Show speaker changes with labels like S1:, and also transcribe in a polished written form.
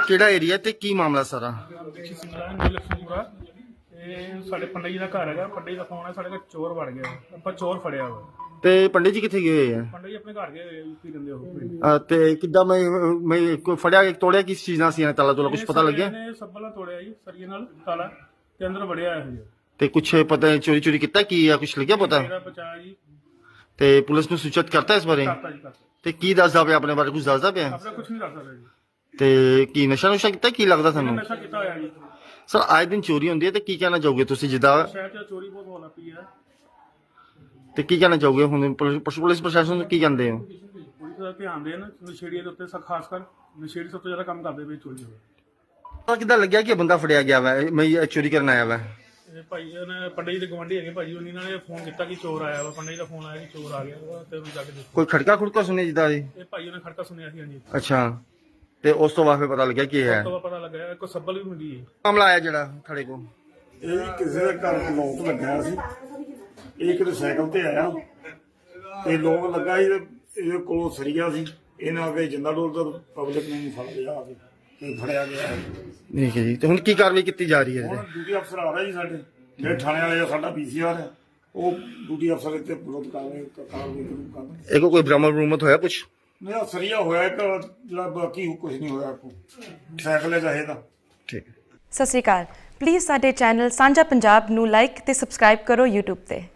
S1: ਕਿਹੜਾ ਏਰੀਆ ਤੇ ਕੀ ਮਾਮਲਾ ਸਾਰਾ?
S2: ਲక్ష్ਮੀਪੁਰਾ ਇਹ ਸਾਡੇ ਪੰਡਿਤ ਜੀ ਦਾ ਘਰ ਹੈਗਾ। ਪੰਡਿਤ ਜੀ ਦਾ ਫੋਨ ਹੈ, ਸਾਡੇ ਘਰ ਚੋਰ ਵੜ ਗਿਆ। ਆਪਾਂ ਚੋਰ ਫੜਿਆ ਵਾ।
S1: ਤੇ ਪੰਡਿਤ ਜੀ ਕਿੱਥੇ ਗਏ ਹੋਏ ਆ?
S2: ਪੰਡਿਤ ਜੀ ਆਪਣੇ ਘਰ ਗਏ ਹੋਏ ਯੂਪੀ ਰਹਿੰਦੇ ਉਹ।
S1: ਤੇ ਕਿੱਦਾਂ ਮੈਂ ਕੋਈ ਫੜਿਆ ਤੋੜਿਆ ਕਿਸ ਚੀਜ਼ ਨਾਲ ਸੀ? ਤਾਲਾ ਤੋਲਾ ਕੁਝ ਪਤਾ ਲੱਗਿਆ?
S2: ਇਹਨੇ ਸੱਬਲ ਨਾਲ ਤੋੜਿਆ ਜੀ, ਸਰੀਏ ਨਾਲ ਤਾਲਾ, ਤੇ ਅੰਦਰ ਵੜਿਆ ਇਹੋ ਜਿਹਾ।
S1: ਤੇ ਕੁਛ ਪਤਾ ਚੋਰੀ ਚੋਰੀ ਕੀਤਾ ਕੀ ਆ? ਕੁਛ ਲੱਗਿਆ ਪਤਾ?
S2: ਮੇਰਾ ਬਚਾ ਜੀ।
S1: ਤੇ ਪੁਲਿਸ ਨੂੰ ਸੂਚਿਤ ਕਰਤਾ ਇਸ ਬਾਰੇ?
S2: ਕਰਤਾ ਜੀ, ਕਰਤਾ।
S1: ਤੇ ਕੀ ਦੱਸਦਾ ਪਿਆ ਆਪਣੇ ਬਾਰੇ? ਕੁਝ ਦੱਸਦਾ ਪਿਆ?
S2: ਆਪਣਾ ਕੁਝ ਨਹੀਂ ਦੱਸ ਸਕਦਾ ਜੀ।
S1: ਤੇ ਕੀ ਨਸ਼ਾ ਨੁਸ਼ਾ ਕੀਤਾ ਕੀ ਲੱਗਦਾ ਤੁਹਾਨੂੰ?
S2: ਨਸ਼ਾ ਕੀਤਾ ਹੋਇਆ ਜੀ।
S1: ਸਰ ਆਏ ਦਿਨ ਚੋਰੀ ਹੁੰਦੀ ਹੈ ਤੇ ਕੀ ਕਹਿਣਾ ਚਾਹੋਗੇ ਤੁਸੀਂ? ਜਿੱਦਾਂ
S2: ਸ਼ਹਿਰ 'ਚ ਚੋਰੀ ਬਹੁਤ ਹੋਣ ਲੱਗ ਪਈ ਹੈ।
S1: ਤੇ ਕੀ ਕਹਿਣਾ ਚਾਹੋਗੇ ਹੁਣ ਪੁਲਿਸ ਪ੍ਰਸ਼ਾਸਨ ਨੂੰ ਕੀ ਕਹਿੰਦੇ ਹੋ?
S2: ਪੁਲਿਸ ਦਾ ਧਿਆਨ ਦੇਣ ਨਸ਼ੇੜੀਆਂ ਦੇ ਉੱਤੇ, ਖਾਸ ਕਰ ਨਸ਼ੇੜੀ ਸਭ ਤੋਂ ਜ਼ਿਆਦਾ ਕੰਮ ਕਰਦੇ ਪਏ ਚੋਰੀ ਹੋਵੇ।
S1: ਤਾਂ ਕਿੱਦਾਂ ਲੱਗਿਆ ਕਿ ਬੰਦਾ ਫੜਿਆ ਗਿਆ ਵਾ ਮੈਂ ਚੋਰੀ ਕਰਨ ਆਇਆ ਵਾ?
S2: ਇਹ ਭਾਈ ਨੇ ਪੰਡਿਤ ਜੀ ਦੇ ਗਵਾਂਢੀ ਹੈਗੇ ਭਾਜੀ, ਉਹਨਾਂ ਨੇ ਫੋਨ ਕੀਤਾ ਕਿ ਚੋਰ ਆਇਆ ਵਾ। ਪੰਡਿਤ ਜੀ ਦਾ ਫੋਨ ਆਇਆ ਕਿ ਚੋਰ ਆ ਗਿਆ ਵਾ, ਤੇ ਜਾ ਕੇ ਦੇਖੋ।
S1: ਕੋਈ ਖੜਕਾ ਖੁੜਕਾ ਸੁਣਿਆ ਜਿੱਦਾਂ ਜੀ?
S2: ਇਹ ਭਾਈ ਉਹਨੇ ਖੜਕਾ ਸੁਣਿਆ ਸੀ। ਹਾਂਜੀ।
S1: ਅੱਛਾ, ਤੇ ਉਸ ਤੋਂ ਬਾਅਦ ਫਿਰ ਪਤਾ ਲੱਗਿਆ ਕੀ ਹੈ?
S2: ਉਸ ਤੋਂ ਬਾਅਦ ਪਤਾ ਲੱਗਾ ਕੋਈ ਸੱਬਲ ਵੀ ਹੁੰਦੀ ਹੈ।
S1: ਮਾਮਲਾ ਆਇਆ ਜਿਹੜਾ ਥੜੇ ਕੋ?
S3: ਇਹ ਕਿਸੇ ਦੇ ਘਰ ਲੋਕ ਲੱਗਿਆ ਸੀ। ਇਹ ਕਿਤੇ ਸਾਈਕਲ ਤੇ ਆਇਆ ਤੇ ਲੋਕ ਲੱਗਾ ਸੀ ਤੇ ਇਹਦੇ ਕੋਲੋਂ ਸਰੀਆ ਸੀ। ਇਹਨਾਂ ਅੱਗੇ ਜਿੰਦਾ ਡੋਲ ਤਾਂ ਪਬਲਿਕ ਨੇ ਫੜ ਲਿਆ ਆ ਕੇ ਤੇ ਫੜਿਆ ਗਿਆ।
S1: ਠੀਕ ਹੈ ਜੀ। ਤੇ ਹੁਣ ਕੀ ਕਾਰਵਾਈ ਕੀਤੀ ਜਾ ਰਹੀ ਹੈ?
S3: ਹੁਣ ਡਿਊਟੀ ਅਫਸਰ ਆ ਰਿਹਾ ਜੀ ਸਾਡੇ, ਜਿਹੜੇ ਥਾਣੇ ਵਾਲੇ ਆ, ਸਾਡਾ ਪੀਸੀਆਰ ਹੈ, ਉਹ ਡਿਊਟੀ ਅਫਸਰ ਇੱਥੇ ਵਿਰੋਧ ਕਾਰਵਾਈ ਕਰਦਾ।
S1: ਇਹ ਕੋਈ ਬਰਾਮਦ ਹੋਇਆ ਕੁਛ?
S3: ਮੇਰਾ ਸਰੀਆ ਹੋਇਆ ਇੱਕ, ਜਿਹੜਾ ਬਾਕੀ ਕੁਝ ਨਹੀਂ ਹੋਇਆ। ਕੋ ਸਾਈਕਲ ਹੈ ਚਾਹੇਦਾ।
S1: ਠੀਕ।
S4: ਸਤਿ ਸ਼੍ਰੀ ਅਕਾਲ। ਪਲੀਜ਼ ਸਾਡੇ ਚੈਨਲ ਸਾਂਝਾ ਪੰਜਾਬ ਨੂੰ ਲਾਈਕ ਤੇ ਸਬਸਕ੍ਰਾਈਬ ਕਰੋ YouTube ਤੇ।